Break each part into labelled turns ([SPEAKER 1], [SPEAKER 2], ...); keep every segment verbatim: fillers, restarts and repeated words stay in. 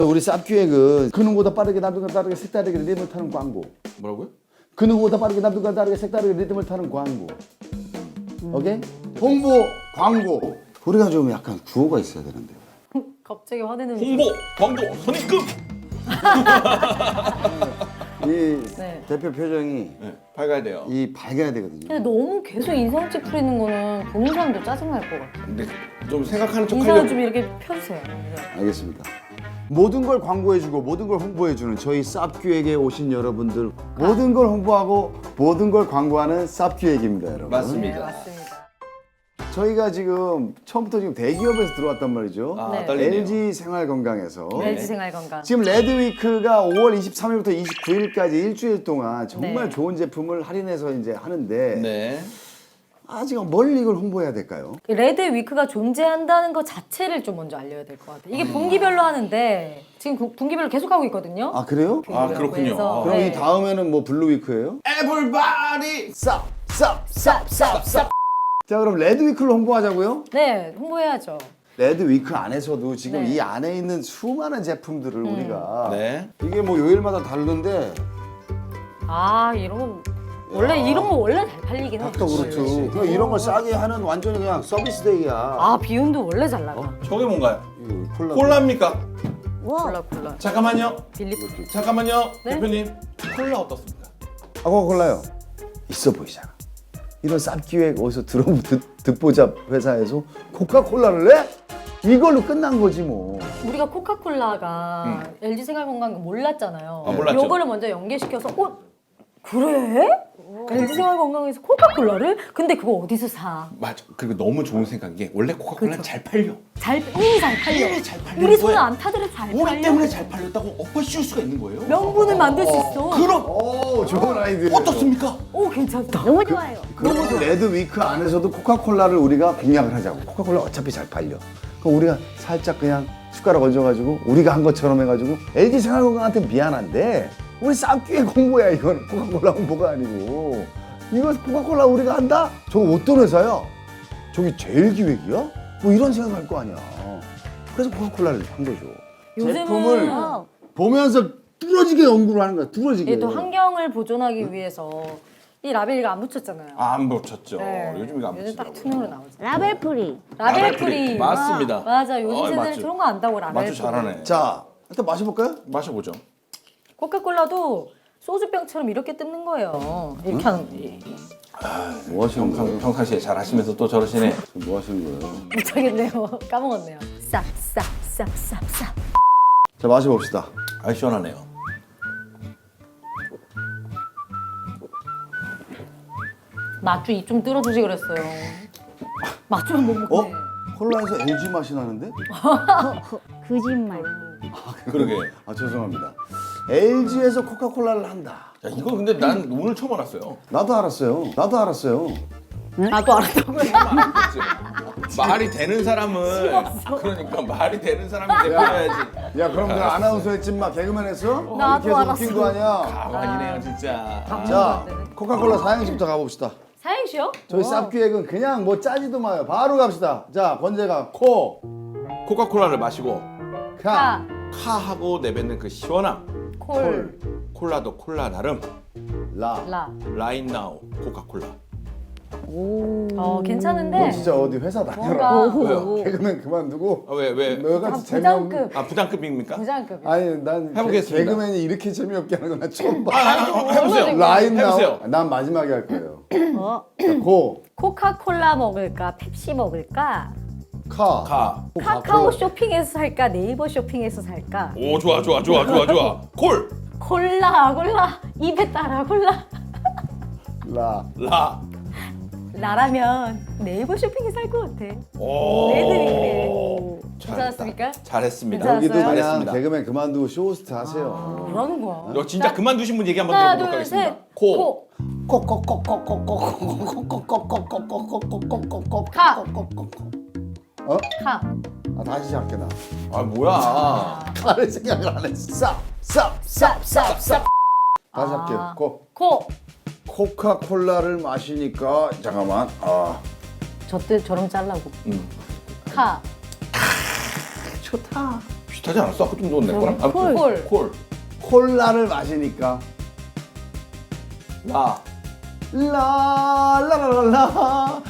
[SPEAKER 1] 우리 쌉기획은 그 누구보다 빠르게 남들과 다르게 색다르게 리듬을 타는 광고.
[SPEAKER 2] 뭐라고요?
[SPEAKER 1] 그 누구보다 빠르게 남들과 다르게 색다르게 리듬을 타는 광고. 오케이? 홍보 광고. 우리가 좀 약간 구호가 있어야 되는데.
[SPEAKER 3] 갑자기 화내는.
[SPEAKER 2] 홍보, 광고, 선입금.
[SPEAKER 1] 이
[SPEAKER 3] 네.
[SPEAKER 1] 대표 표정이
[SPEAKER 2] 네, 밝아야 돼요.
[SPEAKER 1] 이 밝아야 되거든요.
[SPEAKER 3] 근데 너무 계속 인상 찌푸리는 거는 보는 사람도 짜증날 것 같아.
[SPEAKER 2] 근데 좀 생각하는 척
[SPEAKER 3] 인상을
[SPEAKER 2] 하려고.
[SPEAKER 3] 좀 이렇게 펴주세요.
[SPEAKER 1] 알겠습니다. 모든 걸 광고해주고 모든 걸 홍보해주는 저희 쌉기획에 오신 여러분들 모든 걸 홍보하고 모든 걸 광고하는 쌉기획입니다, 여러분.
[SPEAKER 2] 맞습니다.
[SPEAKER 3] 네, 맞습니다.
[SPEAKER 1] 저희가 지금 처음부터 지금 대기업에서 들어왔단 말이죠.
[SPEAKER 2] 아,
[SPEAKER 3] 네.
[SPEAKER 2] 떨리네요.
[SPEAKER 1] 엘지 생활건강에서
[SPEAKER 2] 네.
[SPEAKER 3] 엘지 생활건강.
[SPEAKER 1] 지금 레드위크가 오월 이십삼일부터 이십구일까지 일주일 동안 정말
[SPEAKER 3] 네.
[SPEAKER 1] 좋은 제품을 할인해서 이제 하는데
[SPEAKER 2] 네.
[SPEAKER 1] 아직 뭘 이걸 홍보해야 될까요?
[SPEAKER 3] 레드 위크가 존재한다는 것 자체를 좀 먼저 알려야 될 것 같아요. 이게 분기별로 하는데 지금 그 분기별로 계속 하고 있거든요.
[SPEAKER 1] 아 그래요?
[SPEAKER 2] 아, 그렇군요.
[SPEAKER 3] 그래서,
[SPEAKER 1] 그럼
[SPEAKER 3] 네.
[SPEAKER 1] 이 다음에는 뭐 블루위크예요?
[SPEAKER 2] Everybody.
[SPEAKER 1] 쌉! 쌉! 쌉! 쌉! 쌉! 자 그럼 레드위크를 홍보하자고요?
[SPEAKER 3] 네, 홍보해야죠.
[SPEAKER 1] 레드위크 안에서도 지금
[SPEAKER 3] 네.
[SPEAKER 1] 이 안에 있는 수많은 제품들을 우리가
[SPEAKER 2] 네.
[SPEAKER 1] 이게 뭐 요일마다 다른데
[SPEAKER 3] 아, 이런 거 원래 이런 거 원래 잘 팔리긴 해.
[SPEAKER 1] 또 그렇죠. 그냥 이런 걸 싸게 하는 완전히 그냥 서비스데이야.
[SPEAKER 3] 아, 비운도 원래 잘 나가.
[SPEAKER 2] 저게 뭔가요?
[SPEAKER 1] 이거 콜라.
[SPEAKER 2] 콜라입니까?
[SPEAKER 3] 콜라 콜라.
[SPEAKER 2] 잠깐만요.
[SPEAKER 3] 빌리.
[SPEAKER 2] 잠깐만요.
[SPEAKER 3] 네?
[SPEAKER 2] 대표님. 콜라 어떻습니까?
[SPEAKER 1] 아, 코카콜라요. 있어 보이잖아. 이런 쌉기획 어디서 들어 듣, 듣보잡 회사에서 코카콜라를 내? 이걸로 끝난 거지 뭐.
[SPEAKER 3] 우리가 코카콜라가 엘지 생활건강 몰랐잖아요.
[SPEAKER 2] 아, 몰랐죠.
[SPEAKER 3] 요거를 먼저 연계시켜서 어? 그래? 엘지 생활건강에서 코카콜라를? 근데 그거 어디서 사?
[SPEAKER 2] 맞아. 그리고 너무 좋은 생각인 게 원래 코카콜라는 잘 팔려.
[SPEAKER 3] 잘 이미 잘 팔려.
[SPEAKER 2] 이미 잘 팔리는
[SPEAKER 3] 우리 손을
[SPEAKER 2] 거야.
[SPEAKER 3] 안 타더라도 잘
[SPEAKER 2] 우리
[SPEAKER 3] 팔려.
[SPEAKER 2] 때문에 잘 팔렸다고 엎어 씌울 수가 있는 거예요.
[SPEAKER 3] 명분을 만들 수 있어.
[SPEAKER 2] 그럼
[SPEAKER 1] 오, 좋은 아이디어.
[SPEAKER 2] 어떻습니까?
[SPEAKER 3] 오, 괜찮다.
[SPEAKER 4] 너무 좋아요.
[SPEAKER 1] 그리고 레드위크 안에서도 코카콜라를 우리가 공략을 하자고. 코카콜라 어차피 잘 팔려. 그럼 우리가 살짝 그냥 숟가락 얹어가지고 우리가 한 것처럼 해가지고 엘지 생활건강한테 미안한데 우리 쌉기획 홍보야 이건. 코카콜라 홍보가 아니고. 이거 코카콜라 우리가 한다? 저거 어떤 회사야? 저기 제일기획이야? 뭐 이런 생각할 거 아니야. 그래서 코카콜라를 한 거죠. 제품을
[SPEAKER 3] 요즘은
[SPEAKER 1] 보면서 뚫어지게 연구를 하는 거야. 뚫어지게.
[SPEAKER 3] 이게 또 환경을 보존하기 위해서 이 라벨이가 안 붙였잖아요.
[SPEAKER 2] 아, 안 붙였죠.
[SPEAKER 3] 네.
[SPEAKER 2] 요즘 이거 안
[SPEAKER 3] 요즘 딱
[SPEAKER 2] 붙이더라고요.
[SPEAKER 3] 투명으로 나오죠.
[SPEAKER 4] 라벨 프리.
[SPEAKER 3] 라벨
[SPEAKER 2] 라벨
[SPEAKER 3] 프리.
[SPEAKER 2] 프리. 맞습니다.
[SPEAKER 3] 아, 맞아. 요즘
[SPEAKER 2] 어,
[SPEAKER 3] 세대는
[SPEAKER 2] 맞죠.
[SPEAKER 3] 그런 거 안다고 라벨
[SPEAKER 2] 맞죠,
[SPEAKER 3] 프리.
[SPEAKER 2] 잘하네.
[SPEAKER 1] 자, 일단 마셔볼까요?
[SPEAKER 2] 마셔보죠.
[SPEAKER 3] 코카콜라도 소주병처럼 이렇게 뜯는 거예요. 이렇게 하는 이-
[SPEAKER 1] 뭐 하시는
[SPEAKER 2] 평,
[SPEAKER 1] 거예요?
[SPEAKER 2] 평상시에 잘 하시면서 또 저러시네.
[SPEAKER 1] 뭐 하시는 거예요?
[SPEAKER 3] 못하겠네요. 까먹었네요. 싹, 싹, 싹, 싹, 싹.
[SPEAKER 1] 자, 마셔봅시다.
[SPEAKER 2] 아, 시원하네요.
[SPEAKER 3] 맛주 입 좀 뚫어주지 그랬어요. 맛주는 못
[SPEAKER 1] 어?
[SPEAKER 3] 먹네.
[SPEAKER 1] 콜라에서 엘지 맛이 나는데?
[SPEAKER 4] 거짓말.
[SPEAKER 2] 그러게.
[SPEAKER 1] 아, 죄송합니다. 엘지에서 코카콜라를 한다.
[SPEAKER 2] 야, 이거 근데 난 오늘 처음 알았어요.
[SPEAKER 1] 나도 알았어요. 나도 알았어요.
[SPEAKER 3] 나도 알았다고요.
[SPEAKER 2] 말이 되는 사람은 그러니까 말이 되는 사람이 대표해야지.
[SPEAKER 1] 야, 그럼 너 아나운서 했지 마. 개그맨 했어?
[SPEAKER 3] 나도
[SPEAKER 1] 이렇게 해서 웃긴
[SPEAKER 3] 알았어.
[SPEAKER 1] 거 아니야?
[SPEAKER 2] 가만히네요, 진짜.
[SPEAKER 1] 자, 코카콜라 사행시부터 가봅시다.
[SPEAKER 3] 사행시요?
[SPEAKER 1] 저희 쌉기획은 그냥 뭐 짜지도 마요. 바로 갑시다. 자, 번째가 코,
[SPEAKER 2] 코카콜라를 마시고
[SPEAKER 1] 카,
[SPEAKER 2] 카 하고 내뱉는 그 시원함.
[SPEAKER 3] 콜,
[SPEAKER 2] 콜라도 콜라 나름.
[SPEAKER 1] 라.
[SPEAKER 3] 라.
[SPEAKER 2] 라인 나우 코카콜라.
[SPEAKER 4] 오.
[SPEAKER 3] 어,
[SPEAKER 1] 너
[SPEAKER 3] 괜찮은데.
[SPEAKER 1] 진짜 어디 회사 다녀라.
[SPEAKER 3] 뭔가
[SPEAKER 2] 왜요?
[SPEAKER 1] 개그맨 그만두고
[SPEAKER 2] 아, 왜 왜?
[SPEAKER 1] 너같이
[SPEAKER 3] 아,
[SPEAKER 1] 재미없는.
[SPEAKER 3] 부장급.
[SPEAKER 2] 아, 부담급입니까?
[SPEAKER 3] 부장급.
[SPEAKER 1] 아니 난
[SPEAKER 2] 해보겠습니다.
[SPEAKER 1] 개- 개그맨이 이렇게 재미없게 하는 건 나 처음 봐.
[SPEAKER 2] 아, 아, 아, 해보세요.
[SPEAKER 1] 라인 나오.
[SPEAKER 2] 해보세요.
[SPEAKER 1] 난 마지막에 할 거예요.
[SPEAKER 4] 어?
[SPEAKER 1] 자, 고,
[SPEAKER 3] 코카콜라 먹을까? 펩시 먹을까?
[SPEAKER 1] 카,
[SPEAKER 2] 가.
[SPEAKER 3] 카카오 쇼핑에서 살까? 네이버 쇼핑에서 살까?
[SPEAKER 2] 오, 좋아 좋아 좋아 좋아 좋아. 콜.
[SPEAKER 3] 콜라, 콜라. 입에 따라 콜라.
[SPEAKER 1] 라.
[SPEAKER 2] 라.
[SPEAKER 3] 나라면 네이버 쇼핑에서 살 것 같아.
[SPEAKER 2] 오.
[SPEAKER 3] 레드위크에.
[SPEAKER 2] 잘했다.
[SPEAKER 3] 괜찮았습니까?
[SPEAKER 2] 잘했습니다.
[SPEAKER 3] 괜찮았어요?
[SPEAKER 1] 여기도 그냥
[SPEAKER 2] 잘했습니다.
[SPEAKER 1] 개그맨 그만두고 쇼호스트 하세요.
[SPEAKER 3] 뭐라는 거야?
[SPEAKER 2] 너 진짜 그만두신 분 얘기 한번
[SPEAKER 3] 하나,
[SPEAKER 2] 들어보도록
[SPEAKER 3] 둘, 셋.
[SPEAKER 2] 하겠습니다. 코.
[SPEAKER 3] 카.
[SPEAKER 1] 어?
[SPEAKER 3] 카.
[SPEAKER 1] 아, 다시 시작해 나.
[SPEAKER 2] 아, 뭐야.
[SPEAKER 1] 카를 생각을 안 했어. 쌉, 쌉, 쌉, 쌉. 다시 할게요. 코.
[SPEAKER 3] 코.
[SPEAKER 1] 코카콜라를 마시니까 잠깐만. 아,
[SPEAKER 3] 저때 저럼 잘라고.
[SPEAKER 2] 음.
[SPEAKER 3] 카.
[SPEAKER 1] 좋다.
[SPEAKER 2] 비슷하지 않았어? 아까 좀 넣었네 거랑? 아,
[SPEAKER 4] 콜.
[SPEAKER 2] 콜. 콜.
[SPEAKER 1] 콜라를 마시니까
[SPEAKER 2] 라.
[SPEAKER 1] 라라라라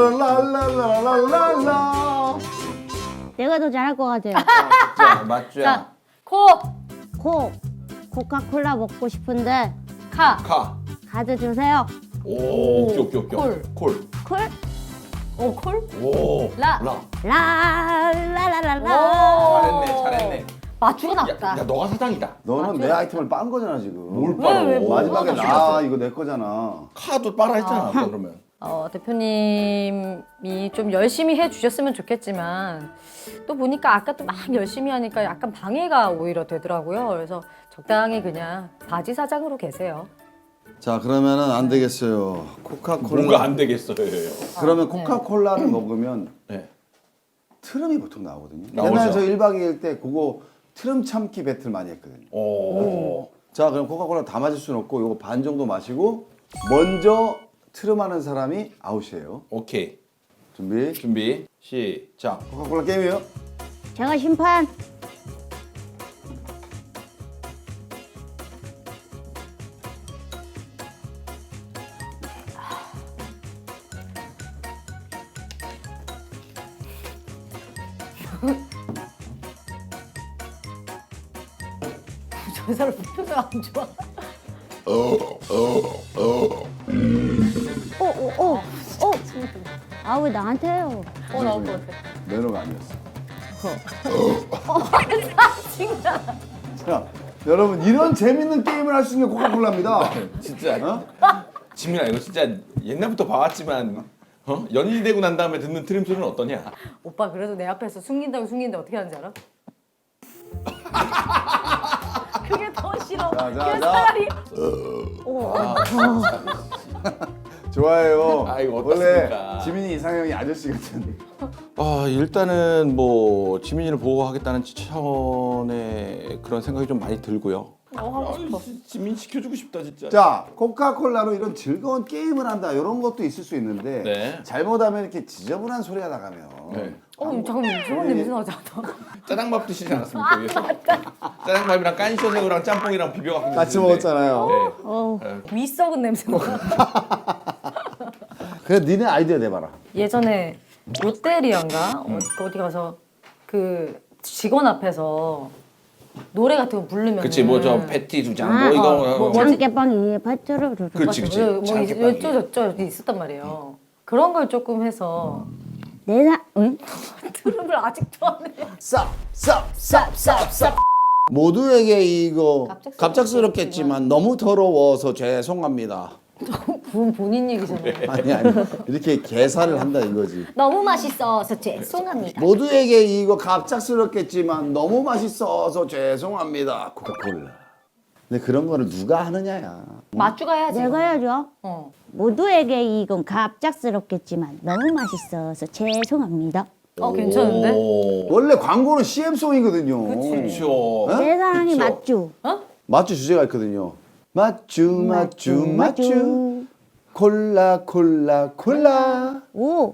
[SPEAKER 1] 라라라라라라라라.
[SPEAKER 4] 내가 더 잘할 것 같아요.
[SPEAKER 2] 자, 맞죠?
[SPEAKER 3] 자, 코,
[SPEAKER 4] 코. 코카콜라 먹고 싶은데
[SPEAKER 3] 카,
[SPEAKER 2] 카.
[SPEAKER 4] 카드 주세요.
[SPEAKER 2] 오, 오케이, 오케이, 오케이.
[SPEAKER 3] 콜.
[SPEAKER 2] 콜.
[SPEAKER 4] 콜.
[SPEAKER 3] 오, 콜.
[SPEAKER 2] 오.
[SPEAKER 3] 라.
[SPEAKER 2] 라.
[SPEAKER 4] 라라라라라.
[SPEAKER 3] 오.
[SPEAKER 2] 잘했네, 잘했네.
[SPEAKER 3] 맞추고
[SPEAKER 2] 야,
[SPEAKER 3] 나왔다.
[SPEAKER 2] 야, 너가 사장이다.
[SPEAKER 1] 너는 내 아이템을 빤 거잖아 지금.
[SPEAKER 2] 뭘
[SPEAKER 3] 왜,
[SPEAKER 2] 빨아?
[SPEAKER 3] 왜, 뭐
[SPEAKER 1] 마지막에
[SPEAKER 3] 하나
[SPEAKER 1] 나 이거 내 거잖아.
[SPEAKER 2] 카도 빨아 했잖아, 아까 그러면.
[SPEAKER 3] 어, 대표님이 좀 열심히 해주셨으면 좋겠지만 또 보니까 아까 또 막 열심히 하니까 약간 방해가 오히려 되더라고요. 그래서 적당히 그냥 바지 사장으로 계세요.
[SPEAKER 1] 자 그러면은 안 되겠어요. 코카콜라.
[SPEAKER 2] 뭐가 안 되겠어요.
[SPEAKER 1] 그러면
[SPEAKER 3] 네.
[SPEAKER 1] 코카콜라를 먹으면
[SPEAKER 2] 네.
[SPEAKER 1] 트름이 보통 나오거든요.
[SPEAKER 2] 나오죠.
[SPEAKER 1] 옛날에 저 일 박 이 일 때 그거 트름 참기 배틀 많이 했거든요.
[SPEAKER 2] 오.
[SPEAKER 1] 자 그럼 코카콜라 다 마실 수는 없고 요거 반 정도 마시고 먼저 트름하는 사람이 아웃이에요.
[SPEAKER 2] 오케이.
[SPEAKER 1] 준비.
[SPEAKER 2] 준비. 시작.
[SPEAKER 1] 코카콜라 게임이에요.
[SPEAKER 4] 제가 심판.
[SPEAKER 3] 저 사람 표정 안 좋아.
[SPEAKER 4] 오오오 오. 오. 아 왜 나한테 해요?
[SPEAKER 3] 어, 나올 것 같아.
[SPEAKER 1] 매너가 아니었어.
[SPEAKER 3] 진짜.
[SPEAKER 1] 자 여러분 이런 재밌는 게임을 할 수 있는 게 코카콜라입니다.
[SPEAKER 2] 진짜.
[SPEAKER 1] 어?
[SPEAKER 2] 지민아 이거 진짜 옛날부터 봐왔지만 어? 연인이 되고 난 다음에 듣는 트림 소리는 어떠냐?
[SPEAKER 3] 오빠 그래도 내 앞에서 숨긴다고 숨기는데 어떻게 하는지 알아? 그게 더 싫어.
[SPEAKER 1] 자, 자,
[SPEAKER 3] 그게
[SPEAKER 1] 자.
[SPEAKER 3] 차라리
[SPEAKER 1] 좋아요.
[SPEAKER 2] 아, 이거
[SPEAKER 1] 원래
[SPEAKER 2] 어떻습니까?
[SPEAKER 1] 지민이 이상형이 아저씨 같은.
[SPEAKER 2] 아 일단은 뭐 지민이를 보호하겠다는 차원의 그런 생각이 좀 많이 들고요.
[SPEAKER 3] 어, 하고 싶어.
[SPEAKER 2] 지민 시켜주고 싶다 진짜.
[SPEAKER 1] 자 코카콜라로 이런 즐거운 게임을 한다 이런 것도 있을 수 있는데
[SPEAKER 2] 네.
[SPEAKER 1] 잘못하면 이렇게 지저분한 소리가 나가면
[SPEAKER 2] 네.
[SPEAKER 3] 어, 잠깐만 이상한 냄새 나지 않아?
[SPEAKER 2] 짜장밥 드시지 않았습니까? 위에서? 짜장밥이랑 깐쇼새우랑 짬뽕이랑 비벼갖고
[SPEAKER 1] 같이
[SPEAKER 2] 드시는데.
[SPEAKER 1] 먹었잖아요.
[SPEAKER 2] 네.
[SPEAKER 4] 어.
[SPEAKER 3] 위 썩은 냄새 나.
[SPEAKER 1] 그래 니네 아이디어 내봐라.
[SPEAKER 3] 예전에 롯데리아인가 어, 어디 가서 그 직원 앞에서 노래 같은 거 부르면
[SPEAKER 2] 그치 뭐 저 패티 두 장 뭐
[SPEAKER 4] 아,
[SPEAKER 2] 이거
[SPEAKER 3] 어, 뭐,
[SPEAKER 4] 장깨빵이 밭으로
[SPEAKER 2] 그렇지 그치.
[SPEAKER 3] 뭐
[SPEAKER 2] 장깨빵이.
[SPEAKER 3] 어쩌저쩌 있었단 말이에요. 그런 걸 조금 해서
[SPEAKER 4] 내사 응?
[SPEAKER 3] 트름을 아직도 안 해.
[SPEAKER 1] 쌉쌉쌉쌉쌉 모두에게 이거
[SPEAKER 3] 갑작스럽-
[SPEAKER 1] 갑작스럽겠지만 너무 더러워서 죄송합니다.
[SPEAKER 3] 그건 본인 얘기잖아요.
[SPEAKER 1] 아니 아니 이렇게 계산을 한다 이거지.
[SPEAKER 3] 너무 맛있어서 죄송합니다.
[SPEAKER 1] 모두에게 이거 갑작스럽겠지만 너무 맛있어서 죄송합니다. 코카콜라. 근데 그런 거를 누가 하느냐야.
[SPEAKER 3] 맞추가 해야지.
[SPEAKER 4] 내가 해야죠.
[SPEAKER 3] 어.
[SPEAKER 4] 모두에게 이건 갑작스럽겠지만 너무 맛있어서 죄송합니다.
[SPEAKER 3] 어 괜찮은데?
[SPEAKER 2] 오.
[SPEAKER 1] 원래 광고는 씨엠송이거든요.
[SPEAKER 3] 그치.
[SPEAKER 2] 그렇죠.
[SPEAKER 4] 내 사랑이
[SPEAKER 2] 그쵸.
[SPEAKER 4] 맞죠?
[SPEAKER 3] 어?
[SPEAKER 1] 맞주 주제가 있거든요. 맞주 맞주 맞주 콜라 콜라 콜라
[SPEAKER 4] 오.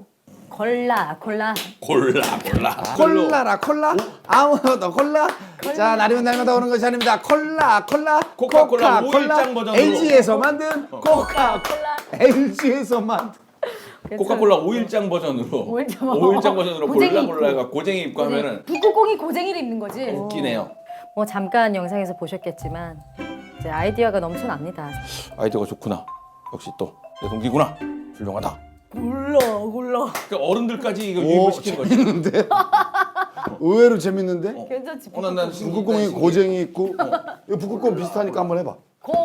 [SPEAKER 3] 콜라 콜라.
[SPEAKER 2] 골라 골라.
[SPEAKER 1] 콜라라 콜라 아무도 콜라 자 날이면 날마다 오는 것이 아닙니다. 콜라 콜라
[SPEAKER 2] 코카콜라 오일장 버전으로.
[SPEAKER 1] 엘지에서 만든 코카콜라
[SPEAKER 3] 콜라.
[SPEAKER 1] 엘지에서 만든
[SPEAKER 2] 코카콜라 오일장 버전으로
[SPEAKER 3] 오일장.
[SPEAKER 2] 오일장 버전으로
[SPEAKER 3] 고쟁이
[SPEAKER 2] 골라
[SPEAKER 3] 입고.
[SPEAKER 2] 골라가 고쟁이 입고 하면은
[SPEAKER 3] 북극공이 고쟁이를 입는 거지.
[SPEAKER 2] 웃기네요.
[SPEAKER 3] 뭐 잠깐 영상에서 보셨겠지만 이제 아이디어가 넘쳐납니다.
[SPEAKER 2] 아이디어가 좋구나. 역시 또 내 동기구나. 훌륭하다.
[SPEAKER 3] 골라 골라.
[SPEAKER 2] 그러니까 어른들까지 이거
[SPEAKER 1] 오
[SPEAKER 2] 유입을 시키는 거지.
[SPEAKER 1] 재밌는데 의외로 재밌는데
[SPEAKER 3] 괜찮지?
[SPEAKER 2] 어, 난, 난
[SPEAKER 1] 북극곰이 고쟁이 있고 이거 북극곰 비슷하니까 한번 해봐.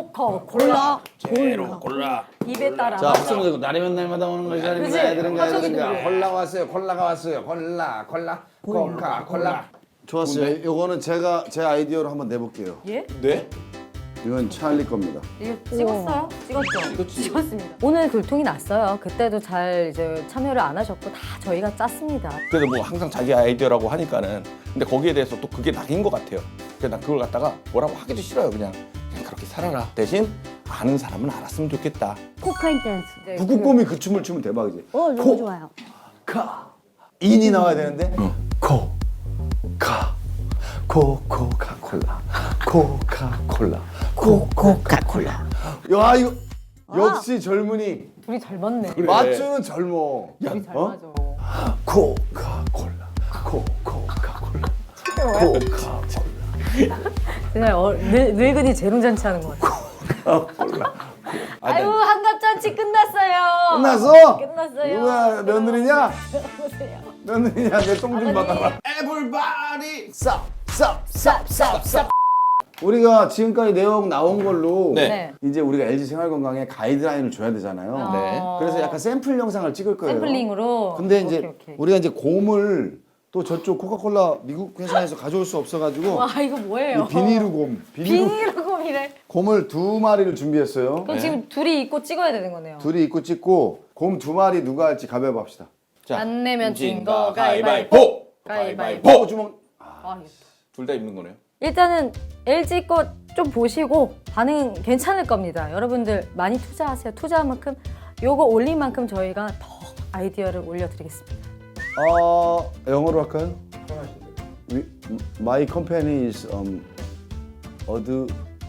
[SPEAKER 3] 코카콜라.
[SPEAKER 2] 제로 골라.
[SPEAKER 3] 입에 따라.
[SPEAKER 1] 자, 박수로 되고 날이면 날마다 오는 것이 아닙니다.
[SPEAKER 3] 그치?
[SPEAKER 1] 애들은가
[SPEAKER 3] 화석이
[SPEAKER 1] 애들은가
[SPEAKER 3] 들려.
[SPEAKER 1] 콜라가 왔어요. 콜라가 왔어요. 콜라 콜라 코카 콜라. 좋았어요. 요거는 제가 제 아이디어로 한번 내볼게요.
[SPEAKER 3] 예?
[SPEAKER 2] 네?
[SPEAKER 1] 이건 찰리 겁니다.
[SPEAKER 3] 이거 찍었어요? 찍었죠?
[SPEAKER 2] 찍었지.
[SPEAKER 3] 찍었습니다. 오늘 글통이 났어요. 그때도 잘 이제 참여를 안 하셨고 다 저희가 짰습니다.
[SPEAKER 2] 그래도 뭐 항상 자기 아이디어라고 하니까는 근데 거기에 대해서 또 그게 낙인 것 같아요. 그래서 난 그걸 갖다가 뭐라고 하기도 싫어요. 그냥 그냥 그렇게 살아라. 대신 아는 사람은 알았으면 좋겠다.
[SPEAKER 4] 코카인 댄스.
[SPEAKER 3] 이제
[SPEAKER 1] 북극곰이 그 춤을 추면 대박이지.
[SPEAKER 4] 어 너무
[SPEAKER 1] 코,
[SPEAKER 4] 좋아요.
[SPEAKER 1] 카 인이 나와야 되는데 코, 카, 코코카콜라 코카콜라 코코카콜라. 야 이거 역시 젊은이
[SPEAKER 3] 둘이 잘 맞네.
[SPEAKER 1] 맞추는 젊어.
[SPEAKER 3] 둘이 잘
[SPEAKER 1] 어?
[SPEAKER 3] 맞아.
[SPEAKER 1] 코카콜라 코코카콜라 코카콜라
[SPEAKER 3] 그냥 어, 늙, 늙은이 재롱잔치 하는 것 같아.
[SPEAKER 1] 코카콜라.
[SPEAKER 3] 아유 한갑잔치 끝났어요.
[SPEAKER 1] 끝났어?
[SPEAKER 3] 끝났어요.
[SPEAKER 1] 누가 며느리냐?
[SPEAKER 3] 보세요.
[SPEAKER 1] 며느리냐? 내 똥 좀 받아라.
[SPEAKER 2] 에블바디
[SPEAKER 1] 쌉쌉쌉쌉쌉. 우리가 지금까지 내용 나온 걸로
[SPEAKER 2] 네.
[SPEAKER 3] 네.
[SPEAKER 1] 이제 우리가 엘지 생활건강에 가이드라인을 줘야 되잖아요.
[SPEAKER 2] 네.
[SPEAKER 3] 어,
[SPEAKER 1] 그래서 약간 샘플 영상을 찍을 거예요.
[SPEAKER 3] 샘플링으로.
[SPEAKER 1] 근데 이제
[SPEAKER 3] 오케이, 오케이.
[SPEAKER 1] 우리가 이제 곰을 또 저쪽 코카콜라 미국 회사에서 가져올 수 없어가지고
[SPEAKER 3] 와 이거 뭐예요?
[SPEAKER 1] 이 비닐우 곰, 비닐우
[SPEAKER 3] 비닐곰이래.
[SPEAKER 1] 곰을 두 마리를 준비했어요.
[SPEAKER 3] 그럼 지금 둘이 입고 찍어야 되는 거네요.
[SPEAKER 1] 둘이 입고 찍고 곰 두 마리 누가 할지 가위바위보 합시다.
[SPEAKER 2] 자,
[SPEAKER 3] 안 내면 진 거
[SPEAKER 2] 진거
[SPEAKER 3] 가위바위보.
[SPEAKER 2] 가위바위보.
[SPEAKER 3] 가위바위보.
[SPEAKER 1] 어, 주먹.
[SPEAKER 3] 아, 이거.
[SPEAKER 2] 둘 다 입는 거네요.
[SPEAKER 3] 일단은 엘지 거 좀 보시고 반응 괜찮을 겁니다. 여러분들 많이 투자하세요. 투자한 만큼 요거 올린 만큼 저희가 더 아이디어를 올려드리겠습니다.
[SPEAKER 1] 어, 영어로 할까요? We, my company is um, 어드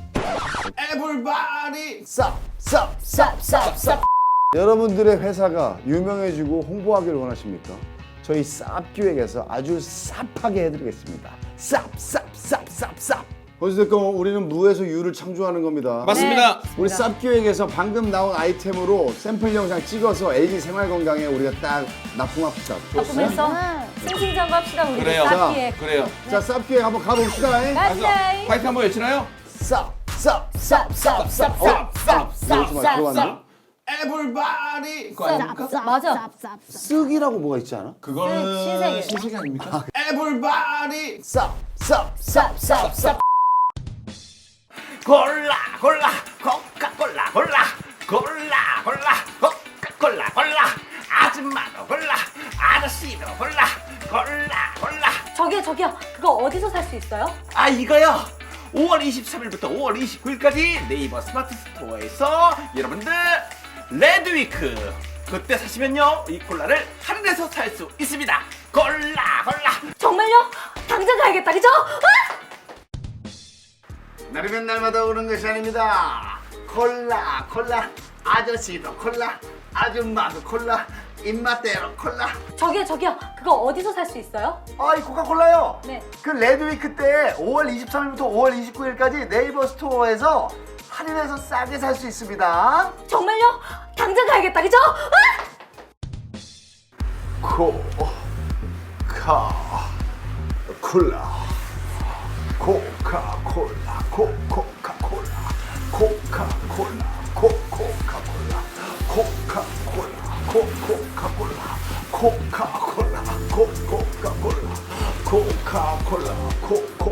[SPEAKER 2] 에블바디
[SPEAKER 1] 쌉쌉쌉쌉쌉. 여러분들의 회사가 유명해지고 홍보하기를 원하십니까? 저희 쌉기획에서 아주 쌉하게 해드리겠습니다. 쌉쌉쌉쌉쌉. 어찌됐건 우리는 무에서 유를 창조하는 겁니다.
[SPEAKER 2] 맞습니다.
[SPEAKER 3] 네.
[SPEAKER 1] 우리 쌉기획에서 방금 나온 아이템으로 샘플 영상 찍어서 엘지 생활건강에 우리가 딱 납품합시다.
[SPEAKER 3] 납품해서
[SPEAKER 4] 네.
[SPEAKER 3] 승승장구 합시다. 우리
[SPEAKER 2] 그래요.
[SPEAKER 3] 쌉기에.
[SPEAKER 2] 그래요.
[SPEAKER 1] 자, 쌉기획 한번 가봅시다.
[SPEAKER 2] 가서
[SPEAKER 3] 가자.
[SPEAKER 2] 파이팅 한번 외치나요?
[SPEAKER 1] 쌉쌉쌉쌉쌉쌉. 쌉쌉쌉쌉. 들어갔네.
[SPEAKER 2] 에블바디 그거 아닙니까?
[SPEAKER 3] 맞아.
[SPEAKER 1] 쓱이라고 뭐가 있지 않아?
[SPEAKER 2] 그거는
[SPEAKER 3] 신세계.
[SPEAKER 2] 신세계 아닙니까? 에블바디
[SPEAKER 1] 쌉쌉쌉쌉쌉.
[SPEAKER 2] 골라 골라 코카콜라 골라 골라 골라 코카콜라 골라 아줌마도 골라 아저씨도 골라 골라 골라
[SPEAKER 3] 저기요, 저기요. 그거 어디서 살 수 있어요?
[SPEAKER 2] 아 이거요 오월 이십삼일부터 오월 이십구일까지 네이버 스마트 스토어에서 여러분들 레드위크 그때 사시면요 이 콜라를 할인해서 살 수 있습니다. 골라 골라
[SPEAKER 3] 정말요? 당장 가야겠다, 그죠? 아!
[SPEAKER 1] 날이면 날마다 오는 것이 아닙니다. 콜라 콜라 아저씨도 콜라 아줌마도 콜라 입맛대로 콜라.
[SPEAKER 3] 저기요, 저기요. 그거 어디서 살 수 있어요?
[SPEAKER 1] 아, 이 코카콜라요?
[SPEAKER 3] 네.
[SPEAKER 1] 그 레드위크 때 오월 이십삼일부터 오월 이십구일까지 네이버 스토어에서 할인해서 싸게 살 수 있습니다.
[SPEAKER 3] 정말요? 당장 가야겠다, 그죠? 아!
[SPEAKER 1] 코카콜라 코카콜라 코코카콜라 코카콜라 코코카콜라 코카콜라 코코카콜라 코카콜라 코코카콜라 코카콜라 코코